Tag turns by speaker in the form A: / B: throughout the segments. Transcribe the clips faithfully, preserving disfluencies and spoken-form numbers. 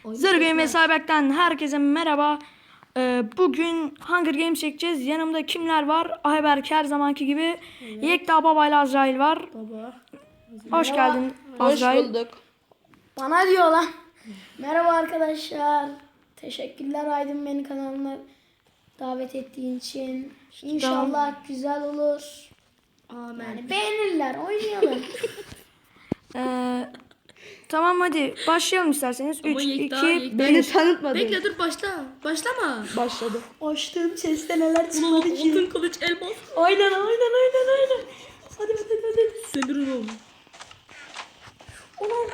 A: Zırh Games Cyber'den herkese merhaba. Ee, bugün Hunger Games çekeceğiz. Yanımda kimler var? Ayberk her zamanki gibi. Evet. Yekta Baba ile Azrail var.
B: Baba.
A: Hoş
C: Merhaba.
A: geldin
B: Azrail.
A: Azrail.
B: Hoş bulduk.
C: Bana diyor lan. Merhaba arkadaşlar. Teşekkürler Aydın beni kanalına davet ettiğin için. İnşallah güzel olur.
B: Amen.
C: Yani beğenirler. Oynayalım.
A: Ee, tamam hadi başlayalım isterseniz. üç,
B: Yekta,
A: iki,
B: Yekta.
A: bir.
B: Beni tanıtmadın. Bekle dur başla. Başlama.
A: Başladı.
C: Açtığım chest'te neler
B: Ulan
C: çıkmadı ki.
B: altın kılıç elmas.
C: Aynen aynen aynen aynen. Hadi hadi hadi.
B: Semirin oğlum.
C: Ulan.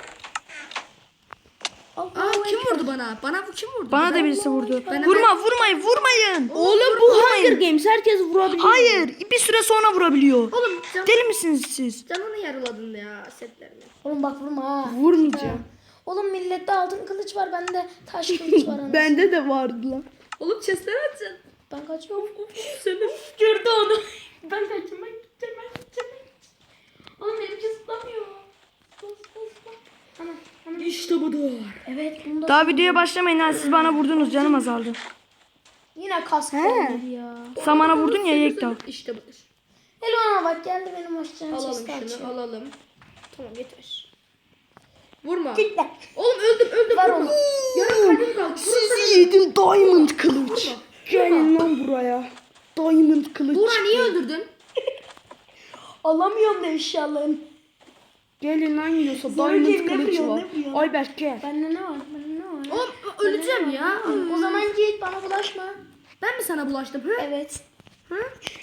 B: Aa kim vurdu bana? Bana bu kim vurdu?
A: Bana da
B: Ben-
A: birisi vurdu.
B: Ben-
A: Vurma vurmayın vurmayın.
B: Oğlum
A: bu Hunger
B: Games herkes vurabiliyor.
A: Hayır bir süre sonra vurabiliyor.
B: Oğlum can,
A: Deli misiniz siz?
B: canını yarıladın ya setlerini.
C: Oğlum bak vurma ha.
A: Vurmayacağım.
C: Oğlum millette altın kılıç var. Bende taş kılıç var. anasını.
A: Bende de vardı lan.
B: Oğlum chestleri açın.
C: Ben kaçıyorum.
B: Semir.
C: Gördü onu. Ben kaçayım ben gideceğim ben gideceğim ben gideceğim. Oğlum benimki zıplamıyor. Bas bas bas. Ana ana.
B: İşte budur.
C: Evet bunu da.
A: Daha videoya başlamayın ha, siz bana vurdunuz, canım azaldı.
C: Yine kask geldi ya.
A: Sen bana vurdun ya Yekta.
B: İşte budur.
C: Elona bak geldi benim hoşçakalın
B: Alalım
C: chest'i
B: şunu
C: açıyor.
B: alalım. Tamam yeter. Vurma.
C: Git lan.
B: Oğlum öldüm öldüm.
C: Var
B: vurma.
C: onu.
B: Yarım kalbim kaldı.
A: Sizi yedim diamond kılıç. Gelin lan buraya. Diamond kılıç.
B: Buğra niye öldürdün?
C: Alamıyorum da eşyalarını.
A: Gelin lan yiyorsa
C: Zor
A: diamond
C: game, ne
A: kılıç
C: biliyorsun,
A: var.
C: ne biliyorsun?
A: Ayberk gel.
C: Bende ne var? Bende ne var?
B: Oğlum öleceğim ya.
C: O zaman git bana bulaşma.
B: Ben mi sana bulaştım? Hı?
C: Evet.
B: Hı?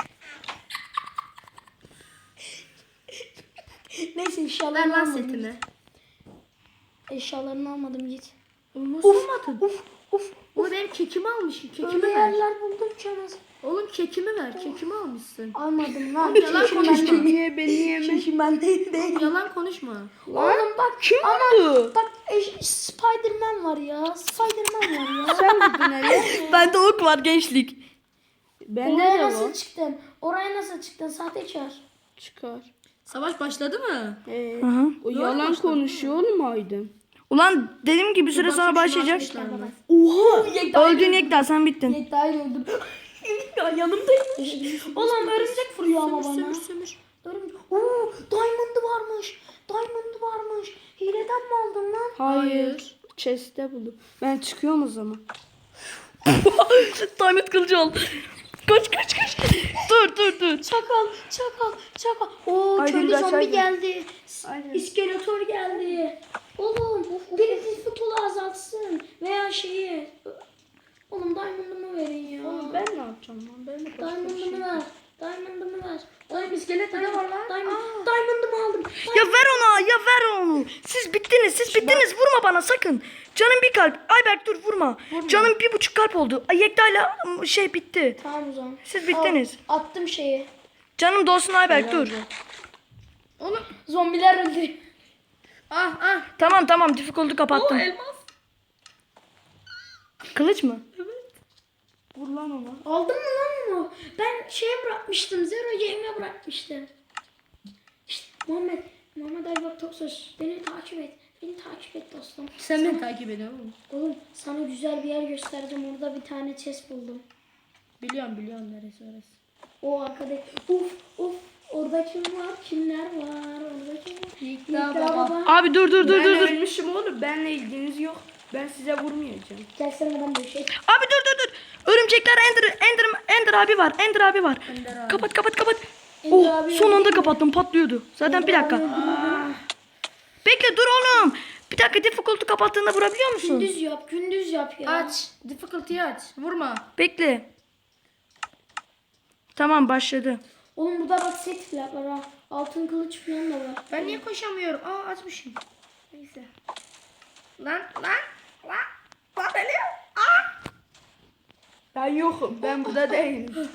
C: Neyse
B: Ver
C: eşyalarını
B: lan
C: almadım.
B: setini.
C: Eşyalarını almadım git.
B: Nasıl olmadın?
C: Uf uf.
B: Oğlum benim kekimi almışsın. Kekimi
C: Öyle
B: ver.
C: yerler buldum canız.
B: Oğlum kekimi ver. Kekimi almışsın.
C: Almadım lan.
B: Yalan
C: Keşim
B: konuşma.
C: bende.
A: Niye beni yeme?
C: Keşim bende değil.
B: Yalan konuşma.
C: Oğlum bak.
A: Kim
C: ama
A: vurdu?
C: bak eş- Spiderman var ya. Spiderman var ya.
A: Sen vurdun hele. Bende ok var gençlik. Bende
C: Oraya
A: de
C: nasıl
A: var.
C: çıktın? Oraya nasıl çıktın? Sahtekar.
A: Çıkar.
B: Savaş başladı mı?
A: Ee,
C: Aha.
A: o yalan konuşuyor oğlum Aydın.
D: Ulan dedim ki bir süre sonra başlayacak.
B: Başlamışlar mı?
A: Oha.
D: Öldün Yekta, sen bittin.
C: Yekta'yı öldüm. Ya yanımdaymış. Oğlum örümcek vuruyor ama bana.
B: Sömür sömür.
C: Örümcek. Oo, Diamond'ı varmış. Diamond'ı varmış. Hileden mi aldın lan?
A: Hayır. Chest'te buldum. Ben çıkıyorum o zaman.
D: Diamond kılıcı ol. Kaç kaç kaç. Dur dur dur.
C: Çakal, çakal, çakal. Oo,
A: Haydi
C: köylü
A: biraz,
C: zombi
A: haydi.
C: geldi.
A: Aynen.
C: İskeletor geldi. Oğlum, biri futbolu azaltsın. Veya şeyi. Oğlum Diamond'ımı verin ya.
A: Oğlum ben ne yapacağım lan? Ben de başka bir şey.
C: Diamond'ımı ver. Diamond'ımı ver.
B: Oğlum iskelet ne var lan?
C: Diamond, Diamond'ımı aldım.
D: Ya ver ona, ya ver onu. Siz bittiniz, siz bittiniz. Vurma bana sakın. Canım bir kalp. Ayberk dur vurma. Canım bir buçuk kalp oldu. Ay, Yekta'yla şey bitti.
C: Tamam o zaman.
D: Siz bittiniz.
C: Al, attım şeyi.
D: Canım dolsun Ayberk dur.
B: Oğlum
C: Zombiler öldü.
B: ah ah.
D: Tamam tamam, difficulty
B: O
D: kapattım.
B: elmas.
D: Kılıç mı?
A: Vur lan ona.
C: Aldın mı lan onu? Ben şeye bırakmıştım. Zero Game'e bırakmıştım. İşte Muhammed. Muhammed Aybak Toksöz. Beni takip et. Beni takip et dostum.
B: Sen beni takip ediyorsun oğlum.
C: Oğlum sana güzel bir yer göstereceğim. Orada bir tane chest buldum.
B: Biliyorum biliyorum neresi orası.
C: O arkada. Uf uf. Orada kim var? Kimler var? Orada kim var?
B: Yekta
C: Yekta
B: baba.
C: baba.
D: Abi dur dur dur
A: Ben
D: dur dur.
A: ölmüşüm oğlum. Benle ilginiz yok. Ben size vurmayacağım.
C: Gelsene adam bir şey.
D: Abi dur dur dur. Örümcekler Ender Ender Ender abi var. Ender abi var.
B: Ender abi.
D: Kapat kapat kapat.
C: Ender
D: Oh
C: abi
D: son anda
C: öldü.
D: kapattım, patlıyordu. Zaten bir dakika. Bekle dur oğlum. Bir dakika, difficulty kapattığında vurabiliyor musun?
C: Gündüz yap. Gündüz yap ya.
B: Aç. Difficulty'yi aç. Vurma.
D: Bekle. Tamam başladı.
C: Oğlum burada bak set falan var ha. Altın kılıç falan da var.
B: Ben niye koşamıyorum? Aa açmışım. Neyse. Lan lan lan. Lan beni. Aa.
A: Ben yokum. Ben burada değilim.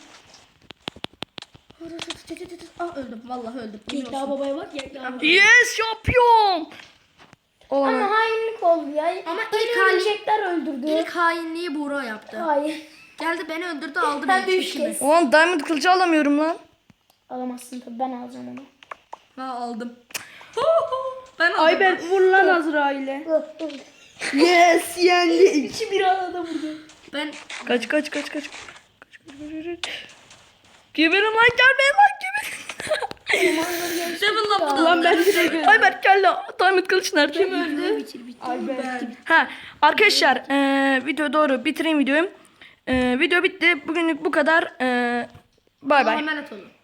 B: Ah öldüm. Vallahi öldüm. Yemin
C: Yekta
B: olsun.
C: babaya bak. Yekta baba.
D: Yes şampiyon.
C: Ama
D: Olamaz.
C: hainlik oldu ya.
B: Ama
C: Beni
B: ilk hali-
C: örümcekler öldürdü.
B: İlk hainliği Buğra yaptı.
C: Hayır.
B: Geldi beni öldürdü aldı
C: Ben de
B: benim
C: üç
B: çekimi.
C: kez.
D: Ulan diamond kılıcı alamıyorum lan.
C: Alamazsın tabii ben alacağım onu.
B: Ha aldım. Ben aldım.
A: Ayberk vur lan Azrail'e.
C: Ih, ih.
D: Yes yendik.
C: İki bir arada vurdu.
B: Ben
D: Kaç kaç kaç kaç. Kaç kaç kaç kaç. Geberin lan gelmeyin lan geberin.
B: Seven lan bu da.
C: Lan ben direkt öldüm.
D: Ayberk gel lan. Diamond kılıç nerede?
B: Kim öldü?
C: Bitir bitir.
D: Ha arkadaşlar eee video doğru bitireyim videoyu. Eee video bitti. Bugünlük bu kadar. Eee bay bay.
B: Emanet olun.